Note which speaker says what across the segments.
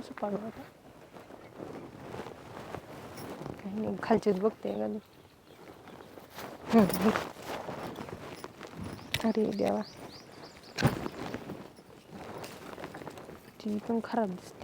Speaker 1: कसं पाडू आता काही नाही खालचीच बघते का अरे देवा ती पण खराब दिसते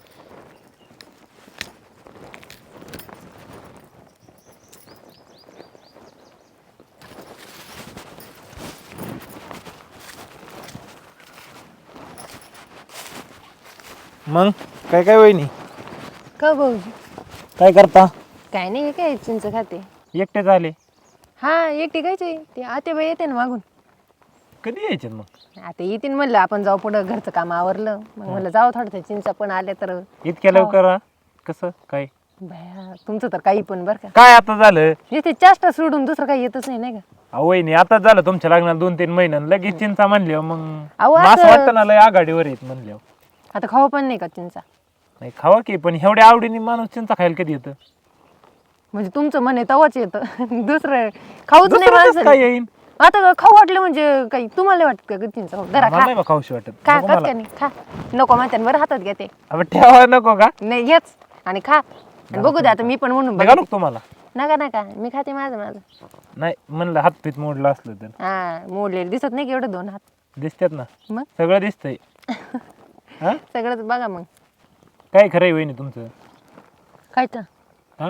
Speaker 2: मग काय काय वहिनी
Speaker 1: का भाऊजी
Speaker 2: काय करता
Speaker 1: काय नाही काय चिंच खाते
Speaker 2: एकटे झाले
Speaker 1: हा एकटी कायचे ते आतेबाई येते ना मागून
Speaker 2: कधी यायचे मग
Speaker 1: आता येतील म्हणलं आपण जाऊ पुढं घरचं काम आवरलं मग म्हणलं जाऊ थोडं चिंचा पण आल्या तर
Speaker 2: इतक्या लवकर कसं काय
Speaker 1: भया तुमचं तर काही पण बरं का
Speaker 2: काय आता झालं
Speaker 1: ते चाष्टा सोडून दुसरं काही येतच नाही का
Speaker 2: अहो वहिनी आता झालं तुमच्या लग्नाला 2-3 महिन्यानं लगेच चिंचा म्हणल्यावर मग
Speaker 1: अहो,
Speaker 2: असं
Speaker 1: असं-
Speaker 2: वाटतं ना लय आघाडीवर येत म्हणल्यावर
Speaker 1: आता खाऊ पण नाही का चिंचा
Speaker 2: नाही खावा की पण एवढ्या आवडीने माणूस चिंचा खायला कधी येतं
Speaker 1: म्हणजे तुमचं मन आहे तवाच येतं दुसरं खाऊच नाही
Speaker 2: दुसरं कसं
Speaker 1: माणसाने.
Speaker 2: काय येईन
Speaker 1: आता खाऊ वाटलं म्हणजे काही तुम्हाला वाटत का चिंचा जरा
Speaker 2: मला
Speaker 1: खा
Speaker 2: नाही बा खाऊशी वाटत
Speaker 1: खा
Speaker 2: नको
Speaker 1: खात
Speaker 2: मला.
Speaker 1: का नाही खा नको म्हणते बरं हातात घेते
Speaker 2: अबे ठेवा नको का
Speaker 1: नाही घेच आणि खा आणि बघू दे आता मी पण म्हणून
Speaker 2: निघा
Speaker 1: बघते.
Speaker 2: नको तुम्हाला
Speaker 1: नका नका मी खाते माझं
Speaker 2: नाही म्हणलं हातपीत मोडलं असलं तर
Speaker 1: हा मोडलेलं दिसत नाही की एवढं 2 हात
Speaker 2: दिसतात ना
Speaker 1: मग
Speaker 2: सगळं दिसतंय हा
Speaker 1: सगळंच बघा मग
Speaker 2: काय खरंय वहिनी तुमचं
Speaker 1: खायचं
Speaker 2: हा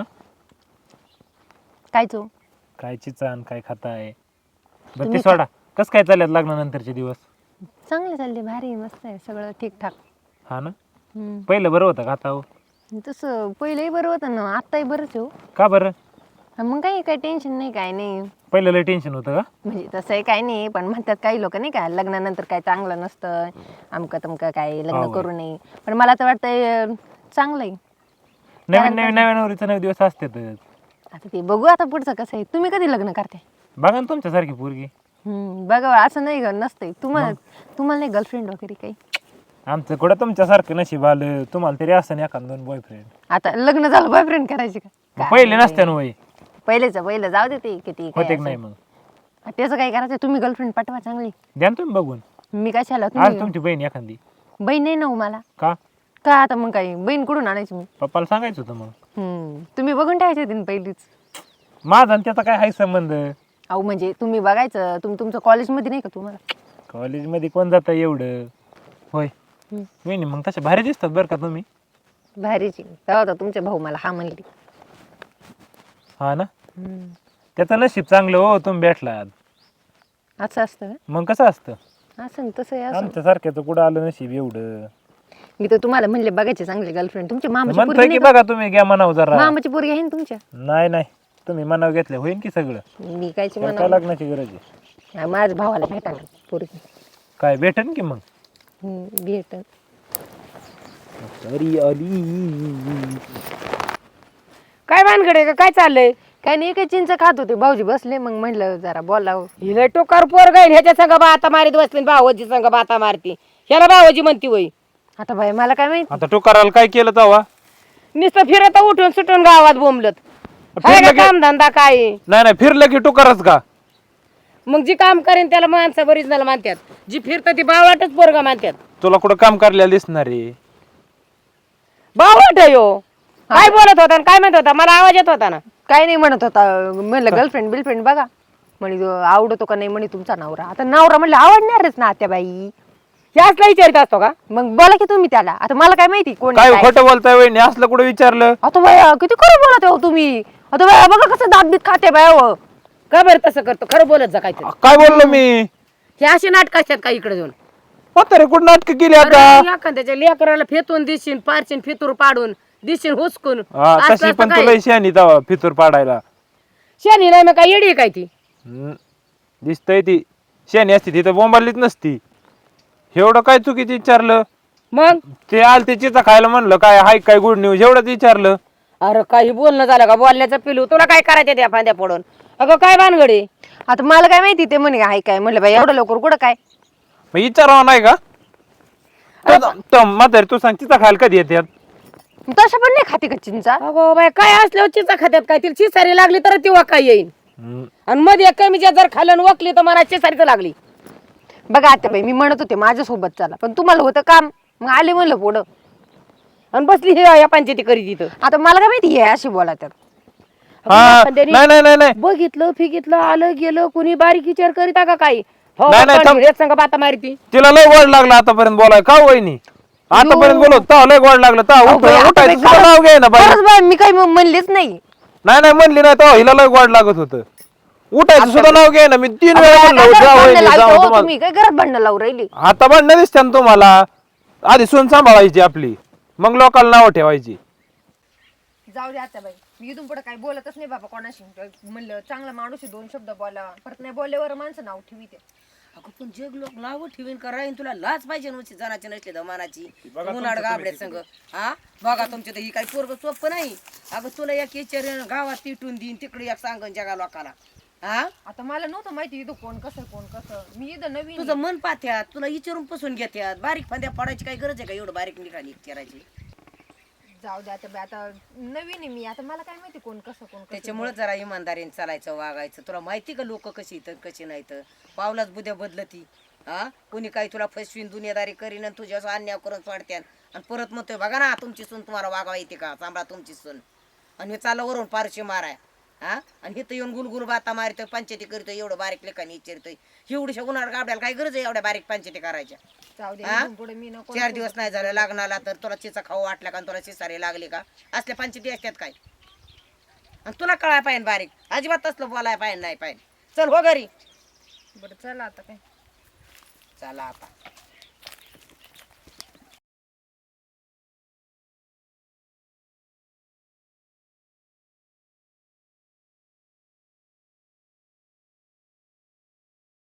Speaker 1: खायचो
Speaker 2: काय चिचान काय खाताय बरं ते
Speaker 1: तुम्ही
Speaker 2: सोडा कस काय चालल्यात लग्नानंतरचे दिवस
Speaker 1: चांगले चालले भारी आहे, मस्त आहे सगळं ठीकठाक
Speaker 2: हा ना पहिलं बरं होतं का आता हो?
Speaker 1: तसं पहिलंही बरं होतं ना आत्ताही बरंच आहे हो.
Speaker 2: का बरं
Speaker 1: मग काही टेन्शन नाही काय नाही
Speaker 2: पहिलं लय टेन्शन होतं का
Speaker 1: म्हणजे तसंही काही नाही पण म्हणतात काही लोक नाही का लग्नानंतर काय चांगलं नसतं अमकं तमकं काय लग्न
Speaker 2: हो.
Speaker 1: करू नये पण मला तर वाटतंय चांगलं आहे
Speaker 2: नवीन नवीन नवीन नवरीचं 9 दिवस असतात
Speaker 1: आता ते बघू आता पुढचं कसं आहे तुम्ही कधी लग्न करते
Speaker 2: बघा ना तुमच्यासारखी पोरगी
Speaker 1: बघा असं नाही ग नसतंय तुम्हाला नाही गर्लफ्रेंड वगैरे काही
Speaker 2: आमचं कुठं तुमच्यासारखं नशीब आलं तुम्हाला तरी असं नाही एखाद 2 बॉयफ्रेंड
Speaker 1: आता लग्न झालं बॉयफ्रेंड करायचे का
Speaker 2: पहिले नसते ना वय
Speaker 1: पहिलं जाऊ दे ते किती काय
Speaker 2: होते की नाही मग
Speaker 1: असं. त्याचं काय करायचं तुम्ही गर्लफ्रेंड पाठवा चांगली
Speaker 2: द्या ना तुम्ही बघून
Speaker 1: मी कशाला
Speaker 2: आज
Speaker 1: तुम्ही
Speaker 2: तुमची बहीण एखादी
Speaker 1: बहीण नाही ना हो मला
Speaker 2: का
Speaker 1: का आता मग काही बहीण कुठून आणायची मी
Speaker 2: पप्पाला सांगायचं होतं मग
Speaker 1: तुम्ही बघून ठेवायचे होते ना पहिलीच
Speaker 2: माझा आणि त्याचा काय हाय संबंध
Speaker 1: अहो म्हणजे तुम्ही बघायचं तुमचं कॉलेजमध्ये नाही का तुम्हाला
Speaker 2: कॉलेजमध्ये कोण जातं एवढं होय वहिनी मग तशा भारी दिसतात बरं का तुम्ही
Speaker 1: भारीची तेव्हा तर तुमचे भाऊ मला हा म्हणली
Speaker 2: हा ना त्याचं नशीब चांगलं हो तुम्ही भेटलात
Speaker 1: असं असतं
Speaker 2: मग कसं असतं
Speaker 1: का असं तसं आहे असं
Speaker 2: आमच्या सारख्याचं कुठं आलं नशीब एवढं
Speaker 1: मी तर तुम्हाला म्हणले बघायचे चांगले गर्लफ्रेंड तुमची मामाची
Speaker 2: म्हणतोय
Speaker 1: पोरगी
Speaker 2: की
Speaker 1: नाही का?
Speaker 2: बघा तुम्ही घ्या म्हणाव जरा
Speaker 1: मामाची पोरगी आहे ना तुमच्या
Speaker 2: नाही नाही तुम्ही मनाव घेतलं होईन की सगळं
Speaker 1: मी कायची
Speaker 2: त्याला काय
Speaker 1: म्हणा
Speaker 2: लग्नाची गरज आहे
Speaker 1: माझ्या भावाला भेटा पोरगी
Speaker 2: काय भेटन की मग
Speaker 1: भेट
Speaker 2: अरी अली
Speaker 3: काय भानगड आहे का काय चाललंय
Speaker 1: काय नाही काही चिंच खात होते भाऊजी बसले मग म्हणलं जरा बोलावं
Speaker 3: हिला टोकार पोर गाईल ह्याच्या संग बाता मारीत बसले भावाजी संग बाता मारती ह्याला भावाजी म्हणती वय
Speaker 1: आता बाई मला काय माहिती
Speaker 2: आता टोकाराला काय केलं तवा
Speaker 3: नुसतं फिरत उठून सुटून गावात बोंबलत हाय का
Speaker 2: फिरलं की
Speaker 3: काम धंदा काय आहे?
Speaker 2: नाही नाही फिरलं की टोकारच का
Speaker 3: मग जी काम करेन त्याला माणसं बरीच झालं मानतात जी फिरत ती बावटच पोरगा मानतात
Speaker 2: तुला कुठं काम करायला दिसणार आहे
Speaker 3: बावट यो काय बोलत होता आणि काय म्हणत होता मला आवाज येत होता ना
Speaker 1: काय नाही म्हणत होता म्हणलं गर्लफ्रेंड बिलफ्रेंड बघा म्हणे तो आवडतो का नाही म्हणे तुमचा नवरा आता नवरा म्हणलं आवडणारच ना आत्याबाई
Speaker 3: यासला विचारित असतो का
Speaker 1: मग बोला की तुम्ही त्याला आता मला काय माहिती कोण
Speaker 2: काय
Speaker 1: आहे, काय.
Speaker 2: खोटं बोलताय वहिनी असलं कुठं विचारलं
Speaker 1: आता बाया किती खरं बोलत हो तुम्ही आता बाया बघा कसं दात बीत खाते बाया हो.
Speaker 3: का बरं तसं करतो खरं बोलत जा काहीतरी
Speaker 2: काय बोललो मी
Speaker 3: हे अशी नाटक असतात का इकडे जाऊन
Speaker 2: म्हातारे कुठं नाटक केली आता
Speaker 3: एखाद्याच्या लेकराला फेतून दिशीन पारशीन फितूर पाडून दिशीन हुसकून
Speaker 2: हा
Speaker 3: असलं
Speaker 2: तशी
Speaker 3: असतं
Speaker 2: पण
Speaker 3: काय?
Speaker 2: तुला शानी तवा फितूर पाडायला
Speaker 3: शेणी नाही मग काय येडी आहे काय ती
Speaker 2: दिसतय ती शानी असती तिथं बोंबालीच नसती एवढं काय चुकीचं विचारलं
Speaker 3: मग
Speaker 2: ते आल ते चिचा खायला म्हणलं काय हाय काय गुड न्यूज एवढंच विचारलं
Speaker 3: अरे काही बोलणं झालं का बोलण्याचं पिलू तुला काय करायचं त्या फांद्या पडून अगं काय भानगडी
Speaker 1: आता मला काय माहिती ते म्हणे आहे काय म्हणलं बाई एवढं लवकर कुठं काय
Speaker 2: मग विचारावं नाही का म्हातारे तू सांग चिचा खायला कधी येतात
Speaker 1: तसं पण नाही खाते का चिंचा
Speaker 3: अगो बाय काय असल्यावर चिचा खात्यात काय तिला चिसारी लागली तर ती वाका येईल आणि मध्ये कमीच्या जर खाल्लं वकली तर मला चिसारीच लागली
Speaker 1: बघा आता बाई मी म्हणत होते माझ्यासोबत चला पण तुम्हाला होतं काम मग आले म्हणलं पुढं
Speaker 3: आणि बसली हे या पंचायती करीत इथं.
Speaker 1: आता मला काय माहिती हे अशी बोला तर.
Speaker 2: हा
Speaker 3: पण त्यांनी
Speaker 2: नाही नाही नाही नाही
Speaker 3: बघितलं फिगितलं आलं गेलं कुणी बारीक विचार करीता का काही हो
Speaker 2: नाही, नाही, थांब.
Speaker 3: संग बाता मारती.
Speaker 2: तिला लय गोड लागला आतापर्यंत बोलाय का वहिनी आतापर्यंत बोलत तेव्हा लय गोड लागलं तेव्हा
Speaker 1: अहो, बाई, आता
Speaker 2: उठायचं
Speaker 1: बाई,
Speaker 2: सुद्धा नाव घे ना बाई.
Speaker 1: खरंच बाई, मी काही म्हणलेच नाही.
Speaker 2: नाही म्हणली नाही तेव्हा हिला लय गोड लागत होतं उठायचं सुद्धा नाव घे ना मी 3 वेळा
Speaker 1: आता
Speaker 2: म्हणलं
Speaker 1: घरात
Speaker 2: जा
Speaker 1: भांडणं
Speaker 2: वहिनी
Speaker 1: लावतो,
Speaker 2: जा
Speaker 1: हो,
Speaker 2: तुम्हाला
Speaker 1: तुम्ही काय घरात भांडणं लावून राहिली.
Speaker 2: आता भांडणं दिसते ना तुम्हाला आधी सून सांभाळायची आपली मग लोकांना नाव ठेवायची.
Speaker 1: जाऊ दे आता बाई, मी इथून पुढे काही बोलतच नाही बाबा कोणाशी. म्हणलं चांगला माणूस आहे, 2 शब्द बोला, परत नाही बोलल्यावर माणसं नाव ठेवी.
Speaker 3: अगं पण जग लोक नाव ठेवीन का राहीन तुला लाच पाहिजे नव्हती जनाची नसली दमानाची उन्हाळ गाबड्यात संग. हा बघा तुमच्या तर ही काही पोरग सोपं नाही. अगं तुला एक विचार गावात तिटून देईन तिकडे एक सांगन जगा लोकाला. हा
Speaker 1: आता मला नव्हतं माहिती इथं कोण कसं. मी इथं नवीन
Speaker 3: तुझं मन पाथ्यात तुला विचारून पसून घेत्यात. बारीक फांद्या पडायची काही गरज आहे का एवढं बारीक निघाली करायची.
Speaker 1: जाऊ दे आता बाई, आता नवीन आहे मी, आता मला काय माहिती कोण कसं.
Speaker 3: त्याच्यामुळे जरा इमानदारीने चालायचं वागायचं. तुला माहिती का लोक कशी तर कशी नाही तर पावलाच बुद्या बदलती. हा कोणी काही तुला फसवीन दुनियादारी करीन आणि तुझ्या अन्याय करून सोडत्यान आणि परत म्हणतोय बघा ना तुमची सून तुम्हाला वागावा येते का सांभाळा तुमची सून. आणि मी चाललं वरून पारशी माराय. हा आणि इथं येऊन गुलगुल बाता मारतोय पंचायती करतोय एवढं बारीक लेखाने विचारतोय. एवढ्या उन्हाळ गाबड्याला काय गरज आहे एवढ्या बारीक पंचायती करायच्या.
Speaker 1: जाऊ दे
Speaker 3: हा?
Speaker 1: इथून पुढे मी नको.
Speaker 3: 4 दिवस नाही झालं लग्नाला तर तुला चिचा खाऊ वाटला का तुला चिसारी लागली का असल्या पंचायती असतात काय. आणि तुला कळाय पाहिजे बारीक अजिबात तसलं बोलाय पाहिजे नाही पाहिजे. चल हो घरी.
Speaker 1: बरं चला आता काय.
Speaker 3: चला आता